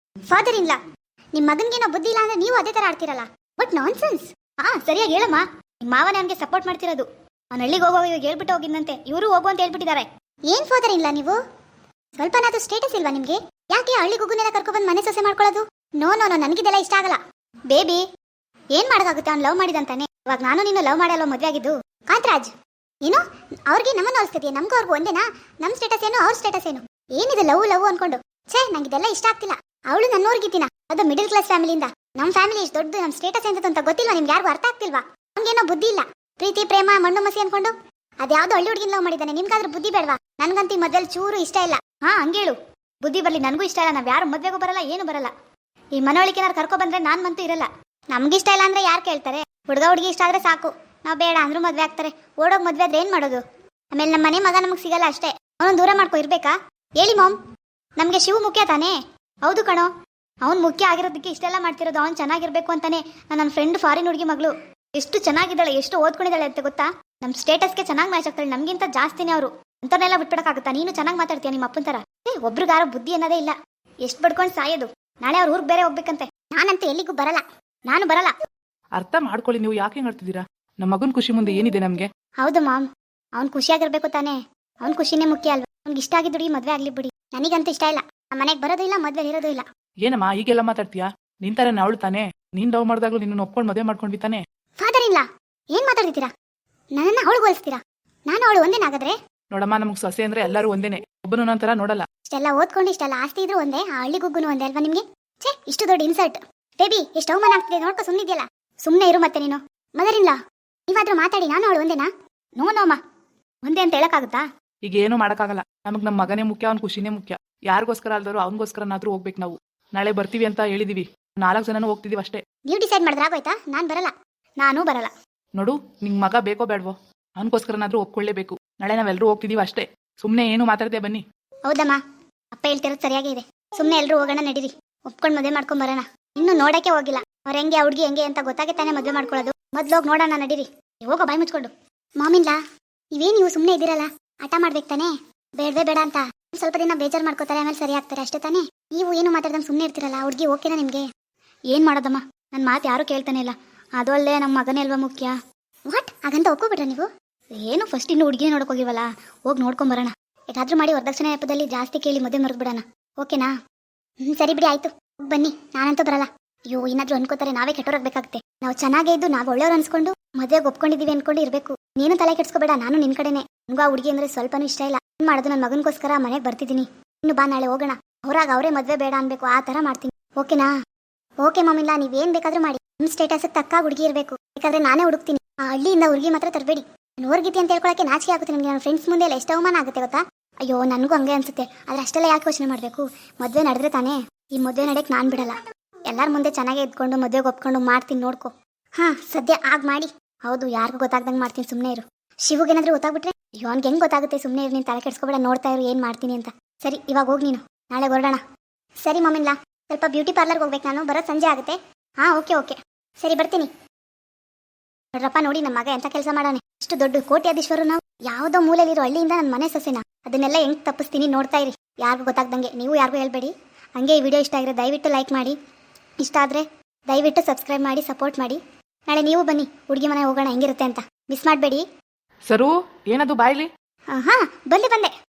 Father in ಲಾ, ನಿಮ್ಮ ಮಗನಿಗೇನೋ ಬುದ್ಧಿ ಇಲ್ಲ ಅಂದ್ರೆ ನೀವು ಅದೇ ತರ ಆಡ್ತಿರಲ್ಲ. But non sense. ಸರಿಯಾಗಿ ಹೇಳಮ್ಮ. ನಿಮ್ಮ ಮಾವನೇ ಅವನಿಗೆ ಸಪೋರ್ಟ್ ಮಾಡ್ತಿರೋದು. ಅವ್ನು ಹಳ್ಳಿಗೆ ಹೋಗೋ ಇವಾಗ ಹೇಳ್ಬಿಟ್ಟು ಹೋಗಿದ್ದಂತೆ, ಇವರು ಹೋಗು ಅಂತ ಹೇಳ್ಬಿಟ್ಟಿದ್ದಾರೆ. ಏನ್ ಫಾದರ್ ಇಲ್ಲ ನೀವು ಸ್ವಲ್ಪನಾದ್ರೂ ಸ್ಟೇಟಸ್ ಇಲ್ವಾ ನಿಮ್ಗೆ? ಯಾಕೆ ಹಳ್ಳಿ ಗುಗ್ಗುನೆಲ್ಲ ಕರ್ಕೊಬಂದು ಮನೆ ಸೊಸೆ ಮಾಡ್ಕೊಳ್ಳೋದು? ನೋ ನೋ ನೋ, ನನಗಿದೆಲ್ಲ ಇಷ್ಟ ಆಗಲ್ಲ. ಬೇಬಿ ಏನ್ ಮಾಡೋಕ್ಕಾಗುತ್ತೆ? ಅವ್ನು ಲವ್ ಮಾಡಿದಂತಾನೆ. ಇವಾಗ ನಾನು ನೀನು ಲವ್ ಮಾಡಲ್ಲ ಮದ್ವೆ ಆಗಿದ್ದು. ಕಾಂತರಾಜ್ ಏನು ಅವ್ರಿಗೆ ನಮ್ಮನ್ನು ಹೋಲಿಸ್ತಿದ್ಯಾ? ನಮ್ಗೂ ಅವ್ರಿಗೂ ಒಂದೇನಾ? ನಮ್ ಸ್ಟೇಟಸ್ ಏನು ಅವ್ರ ಸ್ಟೇಟಸ್ ಏನು? ಏನಿದೆ ಲವ್ ಲವ್ ಅನ್ಕೊಂಡು? ಛೇ, ನಂಗಿದೆಲ್ಲ ಇಷ್ಟ ಆಗ್ತಿಲ್ಲ. ಅವಳು ನನ್ನೋರ್ಗಿದ್ದೀನ, ಅದು ಮಿಡಲ್ ಕ್ಲಾಸ್ ಫ್ಯಾಮಿಲಿಯಿಂದ. ನಮ್ಮ ಫ್ಯಾಮಿಲಿ ಇಷ್ಟು ದೊಡ್ಡದು, ನಮ್ಮ ಸ್ಟೇಟಸ್ ಎಂತ ಅಂತ ಗೊತ್ತಿಲ್ವಾ ನಿಮ್ಗೆ? ಯಾರಿಗೂ ಅರ್ಥ ಆಗ್ತಿಲ್ವಾ? ನಮ್ಗೇನೋ ಬುದ್ಧಿ ಇಲ್ಲ. ಪ್ರೀತಿ ಪ್ರೇಮ ಮಣ್ಣು ಮಸಿ ಅನ್ಕೊಂಡು ಅದ್ಯಾವ್ದೋ ಹಳ್ಳಿ ಹುಡುಗಿನ ಲವ್ ಮಾಡಿದ್ದಾನೆ. ನಿಮ್ಗಾದ್ರೂ ಬುದ್ಧಿ ಬೇಡವಾ? ನನ್ಗಂತೂ ಈ ಮದ್ವೆಲಿ ಚೂರು ಇಷ್ಟ ಇಲ್ಲ. ಹಂಗೇಳು. ಬುದ್ಧಿ ಬರ್ಲಿ, ನನಗೂ ಇಷ್ಟ ಇಲ್ಲ. ನಾವ್ ಯಾರು ಮದ್ವೆಗೂ ಬರಲ್ಲ, ಏನು ಬರಲ್ಲ. ಈ ಮನವಳಿಕೆ ಏನಾರು ಕರ್ಕೊ ಬಂದ್ರೆ ನಾನ್ ಮಂತೂ ಇರಲ್ಲ. ನಮ್ಗಿಷ್ಟ ಇಲ್ಲ ಅಂದ್ರೆ ಯಾರು ಕೇಳ್ತಾರೆ? ಹುಡುಗ ಹುಡುಗಿ ಇಷ್ಟ ಆದ್ರೆ ಸಾಕು. ನಾವ್ ಬೇಡ ಅಂದ್ರೂ ಮದ್ವೆ ಆಗ್ತಾರೆ. ಓಡೋಗ್ ಮದ್ವೆ ಆದ್ರೆ ಏನ್ ಮಾಡೋದು? ಆಮೇಲೆ ನಮ್ಮ ಮನೆ ಮಗ ನಮಗ್ ಸಿಗಲ್ಲ ಅಷ್ಟೇ. ಅವನು ದೂರ ಮಾಡ್ಕೊ ಇರ್ಬೇಕಾ? ಹೇಳಿ ಮಾಮ್, ನಮ್ಗೆ ಶಿವು ಮುಖ್ಯ ತಾನೇ? ಹೌದು ಕಣೋ, ಅವ್ನು ಮುಖ್ಯ ಆಗಿರೋದಕ್ಕೆ ಇಷ್ಟೆಲ್ಲ ಮಾಡ್ತಿರೋದು. ಅವ್ನು ಚೆನ್ನಾಗಿರ್ಬೇಕು ಅಂತಾನೆ. ನನ್ನ ಫ್ರೆಂಡ್ ಫಾರಿನ್ ಹುಡುಗಿ ಮಗಳು ಎಷ್ಟು ಚೆನ್ನಾಗಿದ್ದಾಳೆ, ಎಷ್ಟು ಓದ್ಕೊಂಡಿದ್ದಾಳೆ ಅಂತ ಗೊತ್ತಾ? ನಮ್ ಸ್ಟೇಟಸ್ಗೆ ಚೆನ್ನಾಗಿ ಮ್ಯಾಚ್ ಆಗ್ತಾಳೆ. ನಮ್ಗಿಂತ ಜಾಸ್ತಿನೇ ಅವರು. ಅಂತವ್ರನ್ನೆಲ್ಲ ಬಿಟ್ಬಿಡಕ್ಕಾಗುತ್ತಾ? ನೀನು ಚೆನ್ನಾಗಿ ಮಾತಾಡ್ತೀಯ ನಿಮ್ಮ ಅಪ್ಪನ ತರ. ಒಬ್ರಿಗಾರೋ ಬುದ್ಧಿ ಅನ್ನೋದೇ ಇಲ್ಲ. ಎಷ್ಟು ಬಡ್ಕೊಂಡು ಸಾಯೋದು. ನಾಳೆ ಅವ್ರ ಊರಿಗೆ ಬೇರೆ ಹೋಗ್ಬೇಕಂತೆ. ನಾನಂತೂ ಎಲ್ಲಿಗೂ ಬರಲ್ಲ. ನಾನು ಬರಲ್ಲ. ಅರ್ಥ ಮಾಡ್ಕೊಳ್ಳಿ, ನೀವು ಯಾಕೆ ಹಿಂಗ್ ಆಡ್ತಿದ್ದೀರಾ? ನಮ್ಮ ಮಗನ್ ಖುಷಿ ಮುಂದೆ ಏನಿದೆ ನಮ್ಗೆ? ಹೌದು ಮಾಮ್, ಅವ್ನ್ ಖುಷಿಯಾಗಿರ್ಬೇಕು ತಾನೇ. ಅವ್ನ್ ಖುಷಿನೇ ಮುಖ್ಯ ಅಲ್ವಾ? ಅವ್ನಿಗೆ ಇಷ್ಟ ಆಗಿದ್ದು ಹುಡುಗಿ ಮದ್ವೆ ಆಗ್ಲಿ ಬಿಡಿ. ನನಗಂತೂ ಇಷ್ಟ ಇಲ್ಲ. ನಮ್ಮ ಮನೆಗೆ ಬರೋದು ಇಲ್ಲ, ಮದ್ವೆ ಇರೋದು ಇಲ್ಲ. ಏನಮ್ಮ ಈಗೆಲ್ಲ ಮಾತಾಡ್ತೀಯಾ? ನಿನ್ ತರ ಅವಳು ತಾನೆ. ನೀನ್ ಲವ್ ಮಾಡಿದಾಗ್ಲೂ ನಿನ್ನ ಒಪ್ಕೊಂಡು ಮದುವೆ ಮಾಡ್ಕೊಂಡ್ವಿ ತಾನೆ. ಫಾದರ್ ಇಲ್ಲ, ಏನ್ ಮಾತಾಡ್ತೀರಾ? ನನ್ನನ್ನ ಅವಳು ಹೋಲಿಸ್ತೀರಾ? ನಾನು ಅವಳು ಒಂದೇನಾಗದ್ರೆ? ನೋಡಮ್ಮ, ನಮಗ್ ಸೊಸೆ ಅಂದ್ರೆ ಎಲ್ಲರೂ ಒಂದೇನೆ. ಒಬ್ಬನು ನಂತರ ನೋಡಲ್ಲ. ಇಷ್ಟೆಲ್ಲ ಓದ್ಕೊಂಡು ಇಷ್ಟೆಲ್ಲ ಆಸ್ತಿ ಇದ್ರು ಒಂದೇ, ಆ ಹಳ್ಳಿ ಗುಗ್ಗುನು ಒಂದೇ ಅಲ್ವಾ ನಿಮ್ಗೆ? ಛೇ, ಇಷ್ಟು ದೊಡ್ಡ ಇನ್ಸಲ್ಟ್. ಬೇಬಿ ಎಷ್ಟು ಅವಮಾನ ಆಗ್ತಿದೆ ನೋಡ್ಕೊ. ಸುಮ್ಮನಿದ್ಯಲ್ಲ, ಸುಮ್ಮನೆ ಇರು. ಮತ್ತೆ ನೀನು ಮದರ್ ಇಲ್ಲ, ನೀವಾದ್ರೂ ಮಾತಾಡಿ. ನಾನು ಅವಳು ಒಂದೇನಾ? ನೋ ನೋಮ್ಮ, ಒಂದೇ ಅಂತ ಹೇಳಕ್ಕಾಗುತ್ತಾ? ಈಗ ಏನು ಮಾಡಕ್ಕಾಗಲ್ಲ. ನಮಗ್ ನಮ್ಮ ಮಗನೇ ಮುಖ್ಯ, ಅವ್ನ ಖುಷಿನೇ ಮುಖ್ಯ. ಯಾರಿಗೋಸ್ಕರ ಅಲ್ದರು ಅವನಿಗೋಸ್ಕರನಾದ್ರೂ ಹೋಗ್ಬೇಕು ನಾವು. ನಾಳೆ ಬರ್ತೀವಿ ಅಂತ ಹೇಳಿದೀವಿ. 4 ಜನನೂ ಹೋಗ್ತಿದೀವಿ ಅಷ್ಟೇ. ನೀವು ಡಿಸೈಡ್ ಮಾಡಿದ್ರೆ ಆಗೋಯ್ತಾ? ನಾನು ಬರಲ್ಲ. ನಾನು ಬರಲ್ಲ. ನೋಡು, ನಿಂಗ್ ಮಗ ಬೇಕೋ ಬೇಡವೋ, ಅವನಿಗೋಸ್ಕರನಾದ್ರೂ ಒಪ್ಕೊಳ್ಳೇಬೇಕು. ನಾಳೆ ನಾವೆಲ್ಲರೂ ಹೋಗ್ತಿದೀವಿ ಅಷ್ಟೇ. ಸುಮ್ನೆ ಏನು ಮಾತಾಡದೆ ಬನ್ನಿ. ಹೌದಮ್ಮ, ಅಪ್ಪ ಹೇಳ್ತಿರೋದು ಸರಿಯಾಗಿ ಇದೆ. ಸುಮ್ಮನೆ ಎಲ್ಲರೂ ಹೋಗೋಣ, ನಡೀರಿ. ಒಪ್ಕೊಂಡು ಮದುವೆ ಮಾಡ್ಕೊಂಡ್ ಬರೋಣ. ಇನ್ನು ನೋಡಕ್ಕೆ ಹೋಗಿಲ್ಲ ಅವ್ರ ಹೆಂಗೆ ಹುಡುಗಿ ಹೆಂಗೆ ಅಂತ ಗೊತ್ತಾಗೆ ತಾನೇ ಮದುವೆ ಮಾಡ್ಕೊಳ್ಳೋದು. ಮೊದ್ಲು ಹೋಗಿ ನೋಡೋಣ, ನಡೀರಿ. ಹೋಗೋ ಬಾಯಿ ಮುಚ್ಕೊಂಡು. ಮಾಮಿಲ್ಲ, ಇವೇನು ನೀವು ಸುಮ್ಮನೆ ಇದ್ದೀರಲ್ಲ? ಆಟ ಮಾಡ್ಬೇಕು ತಾನೇ? ಬೇಡವೇ ಬೇಡ ಅಂತ ಸ್ವಲ್ಪ ದಿನ ಬೇಜಾರು ಮಾಡ್ಕೋತಾರೆ, ಆಮೇಲೆ ಸರಿ ಆಗ್ತಾರೆ ಅಷ್ಟೇ ತಾನೇ? ನೀವು ಏನು ಮಾತಾಡ್ದಂಗೆ ಸುಮ್ಮನೆ ಇರ್ತಿರಲ್ಲ. ಹುಡುಗಿ ಓಕೆನಾ ನಿಮ್ಗೆ? ಏನ್ ಮಾಡೋದಮ್ಮ, ನನ್ನ ಮಾತು ಯಾರು ಕೇಳ್ತಾನೆ ಇಲ್ಲ. ಅದು ಅಲ್ಲೇ ನಮ್ಮ ಮಗನೇ ಅಲ್ವಾ ಮುಖ್ಯ. ವಾಟ್ ಹಾಗಂತ ಒಪ್ಕೋಬಿಟ್ರ ನೀವು? ಏನು ಫಸ್ಟ್ ಇನ್ನು ಹುಡುಗಿನೇ ನೋಡಕ್ ಹೋಗಿಲ್ವಲ್ಲ, ಹೋಗಿ ನೋಡ್ಕೊಂಡ್ ಬರೋಣ. ಹೇಗಾದ್ರೂ ಮಾಡಿ ವರದಕ್ಷಿಣೆ ನೆಪದಲ್ಲಿ ಜಾಸ್ತಿ ಕೇಳಿ ಮದುವೆ ಮರೆದ್ಬಿಡೋಣ. ಓಕೆನಾ? ಸರಿ ಬಿಡಿ, ಆಯ್ತು. ಬನ್ನಿ, ನಾನಂತೂ ಬರಲ್ಲ. ಅಯ್ಯೋ, ಏನಾದ್ರೂ ಅನ್ಕೋತಾರೆ, ನಾವೇ ಕೆಟ್ಟೋರಾಗಬೇಕಾಗುತ್ತೆ. ನಾವು ಚೆನ್ನಾಗೇ ಇದ್ದು ನಾವು ಒಳ್ಳೆಯವ್ರು ಅನ್ಸ್ಕೊಂಡು ಮದುವೆಗೆ ಒಪ್ಕೊಂಡಿದೀವಿ ಅನ್ಕೊಂಡು ಇರಬೇಕು. ನೀನು ತಲೆ ಕೆಡ್ಸ್ಕೋಬೇಡ, ನಾನು ನಿನ್ ಕಡೆನೆ. ನಂಗೂ ಆ ಹುಡುಗಿ ಅಂದ್ರೆ ಸ್ವಲ್ಪನೂ ಇಷ್ಟ ಇಲ್ಲ. ಏನ್ ಮಾಡೋದು, ನನ್ನ ಮಗನಿಗೋಸ್ಕರ ಮನೆಗೆ ಬರ್ತಿದ್ದೀನಿ. ಇನ್ನು ಬಾ, ನಾಳೆ ಹೋಗೋಣ. ಹೊರಾಗ ಅವರೇ ಮದುವೆ ಬೇಡ ಅನ್ಬೇಕು, ಆ ತರ ಮಾಡ್ತೀನಿ. ಓಕೆನಾ? ಓಕೆ ಮಾಮಿಲ್ಲ, ನೀವೇನ್ ಬೇಕಾದ್ರೂ ಮಾಡಿ. ನಿಮ್ ಸ್ಟೇಟಸ್ ತಕ್ಕ ಹುಡುಗಿ ಇರಬೇಕು. ಬೇಕಾದ್ರೆ ನಾನೇ ಹುಡುಕ್ತೀನಿ. ಆ ಹಳ್ಳಿಯಿಂದ ಹುಡುಗಿ ಮಾತ್ರ ತರಬೇಡಿ. ನೋರ್ಗಿತಿ ಅಂತ ಹೇಳ್ಕೊಳಕ್ಕೆ ನಾಚಿಕೆ ಆಗುತ್ತೆ ನಿಮ್ಗೆ. ನನ್ನ ಫ್ರೆಂಡ್ಸ್ ಮುಂದೆ ಎಲ್ಲ ಎಷ್ಟು ಅವಮಾನ ಆಗುತ್ತೆ ಗೊತ್ತಾ? ಅಯ್ಯೋ, ನನಗೂ ಹಂಗೆ ಅನ್ಸುತ್ತೆ. ಆದ್ರೆ ಅಷ್ಟೆಲ್ಲ ಯಾಕೆ ಯೋಚನೆ ಮಾಡಬೇಕು? ಮದುವೆ ನಡೆದ್ರೆ ತಾನೇ. ಈ ಮದುವೆ ನಡೆಯಕ್ಕೆ ನಾನು ಬಿಡಲ್ಲ. ಎಲ್ಲರ ಮುಂದೆ ಚೆನ್ನಾಗೇ ಇದ್ಕೊಂಡು ಮದುವೆಗೆ ಒಪ್ಕೊಂಡು ಮಾಡ್ತೀನಿ, ನೋಡ್ಕೊ. ಸದ್ಯ ಆಗ ಮಾಡಿ. ಹೌದು, ಯಾರಿಗೂ ಗೊತ್ತಾಗ್ದಂಗೆ ಮಾಡ್ತೀನಿ, ಸುಮ್ಮನೆ ಇರು. ಶಿವಗೇನಾದ್ರೂ ಗೊತ್ತಾಗ್ಬಿಟ್ರೆ ಇವನ್ಗೆ ಹೆಂಗ್ ಗೊತ್ತಾಗುತ್ತೆ? ಸುಮ್ಮನೆ ಇರು, ನೀನು ತಲೆ ಕೆಡ್ಸ್ಕೊಬೇಡ, ನೋಡ್ತಾ ಇರು ಏನ್ ಮಾಡ್ತೀನಿ ಅಂತ. ಸರಿ, ಇವಾಗ ಹೋಗಿ ನೀನು, ನಾಳೆ ಹೊರಡೋಣ. ಸರಿ ಮಮ್ಮಿಲ್ಲ, ಸ್ವಲ್ಪ ಬ್ಯೂಟಿ ಪಾರ್ಲರ್ಗೆ ಹೋಗ್ಬೇಕು ನಾನು. ಬರೋದು ಸಂಜೆ ಆಗುತ್ತೆ. ಓಕೆ ಸರಿ, ಬರ್ತೀನಿ. ನೋಡ್ರಪ್ಪ, ನೋಡಿ ನಮ್ಮ ಮಗ ಎಂತ ಕೆಲಸ ಮಾಡಾನೆ. ಇಷ್ಟು ದೊಡ್ಡ ಕೋಟ್ಯಾಧೀಶ್ವರು ನಾವು. ಯಾವುದೋ ಮೂಲೆಯಲ್ಲಿರೋ ಹಳ್ಳಿಯಿಂದ ನನ್ನ ಮನೆ ಸೊಸೆನ. ಅದನ್ನೆಲ್ಲ ಹೆಂಗ್ ತಪ್ಪಿಸ್ತೀನಿ ನೋಡ್ತಾ ಇರಿ. ಯಾರಿಗೂ ಗೊತ್ತಾಗ್ದಂಗೆ. ನೀವು ಯಾರಿಗೂ ಹೇಳ್ಬೇಡಿ. ಹಂಗೆ ಈ ವಿಡಿಯೋ ಇಷ್ಟ ಆಗಿದ್ರೆ ದಯವಿಟ್ಟು ಲೈಕ್ ಮಾಡಿ. ಇಷ್ಟ ಆದರೆ ದಯವಿಟ್ಟು ಸಬ್ಸ್ಕ್ರೈಬ್ ಮಾಡಿ, ಸಪೋರ್ಟ್ ಮಾಡಿ. ನಾಳೆ ನೀವು ಬನ್ನಿ, ಹುಡುಗಿ ಮನೆ ಹೋಗೋಣ ಹೆಂಗಿರುತ್ತೆ ಅಂತ. ಮಿಸ್ ಮಾಡಬೇಡಿ. ಸರು, ಏನದು ಬಾಯ್ಲಿ? ಬಂದೆ.